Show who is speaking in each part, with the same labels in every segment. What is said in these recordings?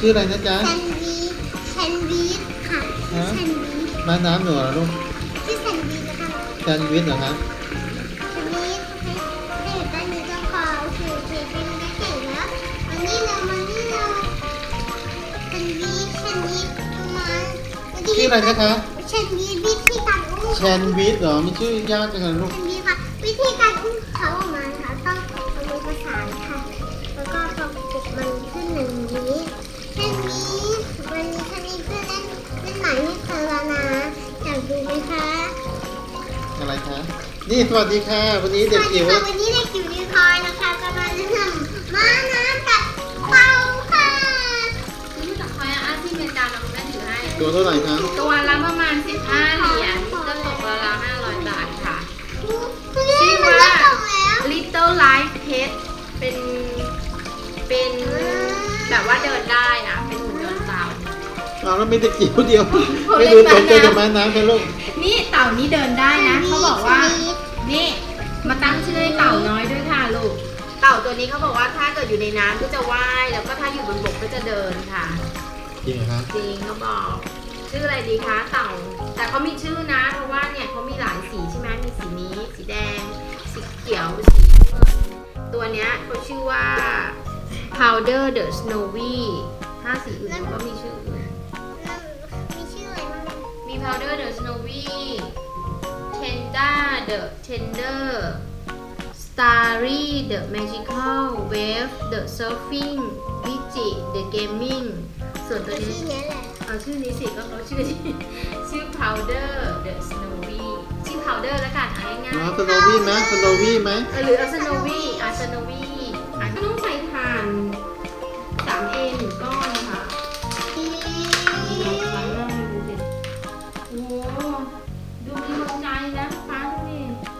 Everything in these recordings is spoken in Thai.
Speaker 1: ชื่ออะไรนะจ๊ะ
Speaker 2: แซนวิชค่ะแซนวิช
Speaker 1: ม้าน้ำหนูเหรอลูก
Speaker 2: ชื่อแซนวิชนะคะ
Speaker 1: แซนด์วิชเหรอคะ
Speaker 2: แซนวิชให้อยู่ด้านนี้ก็พอโอเคเป็นได้เก่งแล้วมานี่เราแซนวิชมา
Speaker 1: ชื่ออะไรนะคะ
Speaker 2: แซนวิชวิธีการอุ้ม
Speaker 1: แซนด์วิชเหรอมีชื่อยากจังเลยลูก
Speaker 2: แซนวิชค่ะวิธีการอุ้มเขาออกมาค่ะต้องเอามือประสานค่ะแล้วก็พอกดมันขึ้นอย่างนี้แซนวิชวันนี้แซนวิชเพื่อนเล่นหมายให้เธอแล้วนะอยากดูไหมคะ
Speaker 1: อะไรคะนี่สวัสดีค่ะวันนี้เด็กจิ๋ว
Speaker 2: วันนี้เด็กจิ๋วนิวคอยนะคะกำลังจะทำม้าน้ำกับเต่าค่ะ
Speaker 3: นี่จากคอยอาที่เมนดาเราได้ถือให้
Speaker 1: ตัวเท่าไหร่คะ
Speaker 3: ตัวละประมาณ15 เหรียญจะตกราวๆ500 บาทค่ะ
Speaker 2: ชื่อว่า
Speaker 3: Little Life Pet เป็นแบบว่าเดินได้นะเป็นหุ่นยนต์เต่า
Speaker 1: เอาแล้วไม่เด็กจิ๋วเดียวไม่ดูตกใจกับม้าน้ำกันลูก
Speaker 3: นี่เต่านี้เดินได้นะเขาบอกว่านี่มาตั้งชื่อให้เต่าน้อยด้วยค่ะลูกเต่าตัวนี้เขาบอกว่าถ้าเกิดอยู่ในน้ำก็จะว่ายแล้วก็ถ้าอยู่บนบกก็จะเดินค่ะ
Speaker 1: จริงเหรอคะ
Speaker 3: จริงเขาบอกชื่ออะไรดีคะเต่าแต่เขามีชื่อนะเพราะว่าเนี่ยเขามีหลายสีใช่ไหมมีสีนี้สีแดงสีเขียวสีเงินตัวเนี้ยเขาชื่อว่า Powder the Snowy ถ้าสีอื่นก็มีชื่ออื่น
Speaker 2: มีชื่ออะไรบ้าง
Speaker 3: มี Powder the Snowy Tender the Tender Starry the Magical Wave the Surfing Digit the Gaming ส่วนตัว
Speaker 2: ชื่
Speaker 3: นี้
Speaker 2: อนี้แหละ
Speaker 3: เอาชื่อนี้สิก็เขาชื่อที่ชื่อ Powder the Snowy ชื่อ Powder แล้วกันเอาง่าย
Speaker 1: อ๋อสโนวี่ไหมสโนวี่ไหม
Speaker 3: ๆหรือเอา Snowy Snowy ก็ต้องใส่ถ่าน 3A 1 ก้อนนะคะลองฟังหน้าดูสิโอ้โหดูมีหัวใจนะฟ้าดูดิ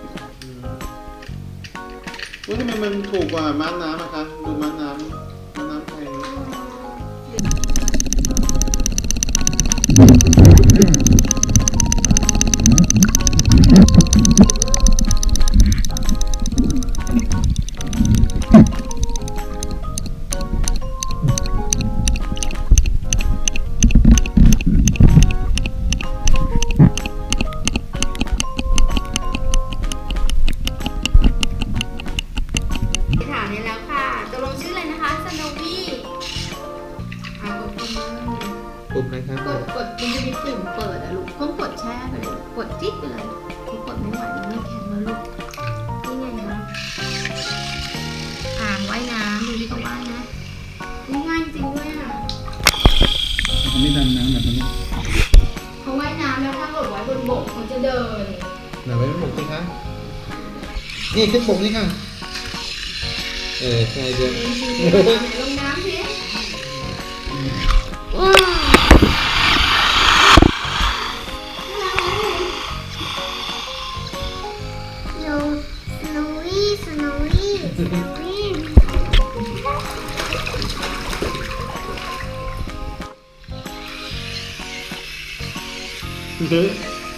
Speaker 1: ว่าทำไมมันถูกกว่าม้าน้ำอะคะดูม้าน้ำแพง
Speaker 3: ถามเนี่ยแล้วค่ะตกลงชื่ออะไรนะคะ Snowy กดปุ่ม
Speaker 1: ปุ่มอะไรครับ
Speaker 3: กดมันจะมีปุ่มเปิดอะลูกต้องกดแช่ไปเลยกดจิ๊ดไปเลยทุกกดไม่ไหวแล้วมันแข็งแล้วลูกนี่ไงนะอ่างว่ายน้ำดูที่เขาว่ายนะนี่ง่ายจริงด้วยอ่ะ
Speaker 1: อันนี้ดำน้ำแบบนี้
Speaker 3: เขาว่ายน้ำแล้วถ้าหลดไว้บนบกเขาจะเดิน
Speaker 1: ไหนไว้บนสิคะนี่ขึ้นบกนี่ค่ะใช่เดิน
Speaker 3: ลงน้ำสิ
Speaker 2: โนสโนวี่สโนวี่สโนวี่
Speaker 1: เดิน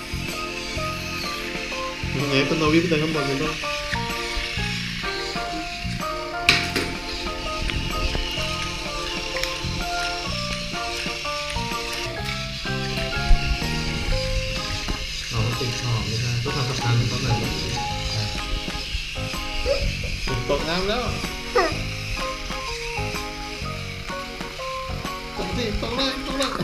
Speaker 1: ยังไงสโนวี่ไปเดินข้างบนเลยลูกอ๋อติดขอบไม่ได้ต้องทำสะพานให้เขาหน่อยตกน้ำแล้วตกสิตกเลยตกเลย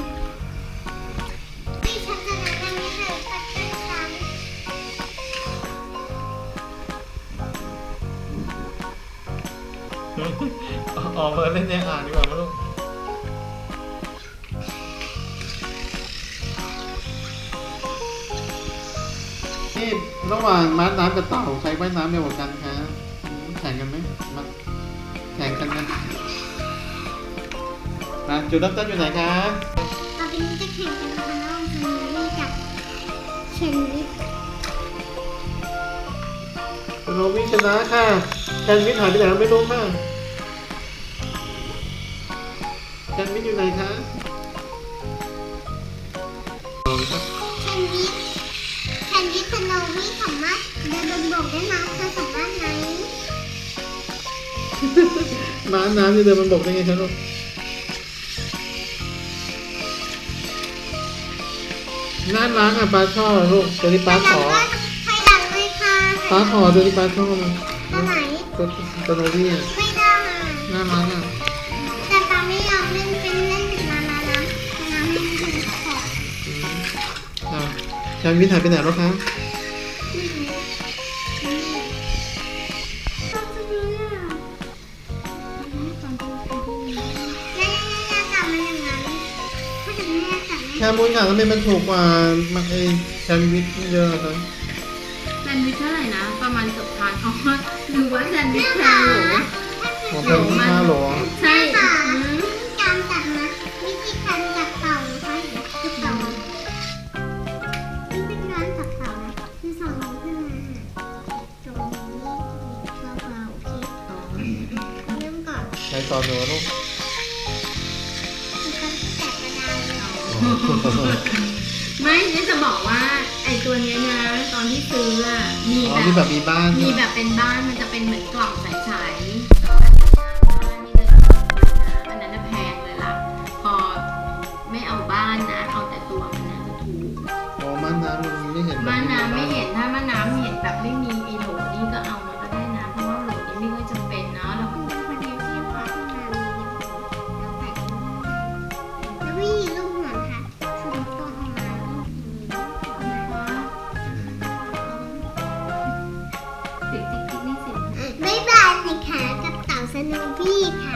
Speaker 2: ที่ฉันจะแนะนำให้เธอปัดเป็นซ้ำ
Speaker 1: ออกมาเล่นในอ่างดีกว่ามั้งลูกนี่ระหว่างม้าน้ำกับเต่าใครว่ายน้ำเร็วกว่ากันคะแข่งกันไหมมาแข่งกันนะมาจุดเริ่มต้นอยู่ไหนคะ
Speaker 2: ต่อไปนี้จะแข่งกันนะคะระหว่างสโนวี่กับเชนวิท
Speaker 1: สโนวี่ชนะค่ะแคนวิทหายไปไหนไม่รู้ค่ะแคนวิทอยู่ไหนคะ
Speaker 2: แคนวิทสโนวี่สามารถเดินบนบกได้นะเธอสามารถไหม
Speaker 1: ม้าน้ำจะเดินบนบกได้ไงคะลูกน่ารักอ่ะป้าชอบลูกตัวนี้ป้าขอ
Speaker 2: ใครดังเลยค่ะ
Speaker 1: ป้าขอตัวนี้ป้าชอบ
Speaker 2: ตัวไหน
Speaker 1: ตัวโนบี้อ่ะ
Speaker 2: ไม่ได้
Speaker 1: น่ารักอ่ะ
Speaker 2: แต่ป้าไม่ยอมเล่นเป็นเล่นถึงมานะน้ำให้มันถึงขอบ
Speaker 1: แชมป์วิทย์หายไปไหนแล้วคะ
Speaker 2: ชอบจังเลยอ่ะย่าจับมันอย่างนั้นถ้าเกิดแม่จับ
Speaker 1: แชมป์มูนค่ะทำไมมันถูกกว่ามันไอแชมป์วิทย์เยอะครับ
Speaker 3: แซนด์วิชเท่าไหร่นะ ประมาณเกือบพันอ๋อหรือว่าแซนด์วิชแพงหรอ
Speaker 1: ขอแชมป์ที่5 โหล
Speaker 3: ใช่
Speaker 2: ค่ะการจับนะวิธีการจับเต่านะคะคือเต่านี่เป็นการจับเต่านะคือสองนิ้วขึ้นมาตรงนี้เราโอเคเริ่มก่อน
Speaker 1: ใครสอนหนูลูก
Speaker 2: คือการแตะกระดานเลย
Speaker 3: ไม่นี่จะบอกว่าไอตัวเนี้ยนะ ตอนที่ซื้ออะมี
Speaker 1: อ๋อ
Speaker 3: แบ
Speaker 1: ที่แบบ
Speaker 3: บ
Speaker 1: มีบ้าน
Speaker 3: มี
Speaker 1: ใช่ไห
Speaker 3: แบ
Speaker 1: ม
Speaker 3: บเป็นบ้านมันจะเป็นเหมือนกล่องใสๆนี่เลยอันนั้นน่ะแพงเลยล่ะ พอไม่เอาบ้านนะ เอาแต่ตัวมันนะจะถูก
Speaker 1: อ๋อม่านน้ำมันไม่เห็นแบบ
Speaker 3: ม่านน้ำไม่เห็นถ้าม่านน้ำเห็นแบบไม่มีไอโหลนี่ก็เอามาก็ได้นะ เพราะว่าโหลนี้ไม่ค่อยจำเป็นเนาะเรา
Speaker 2: คุณเป็นคนเดียวที่พอที่มามีเราแตะแล้ววิธีลูกหัวค่ะคือเราต้องเอามา
Speaker 3: ติ๊กติ๊กติ๊กนี่สิ
Speaker 2: บ๊ายบายนะคะกับเต่าสโนวี่ค่ะ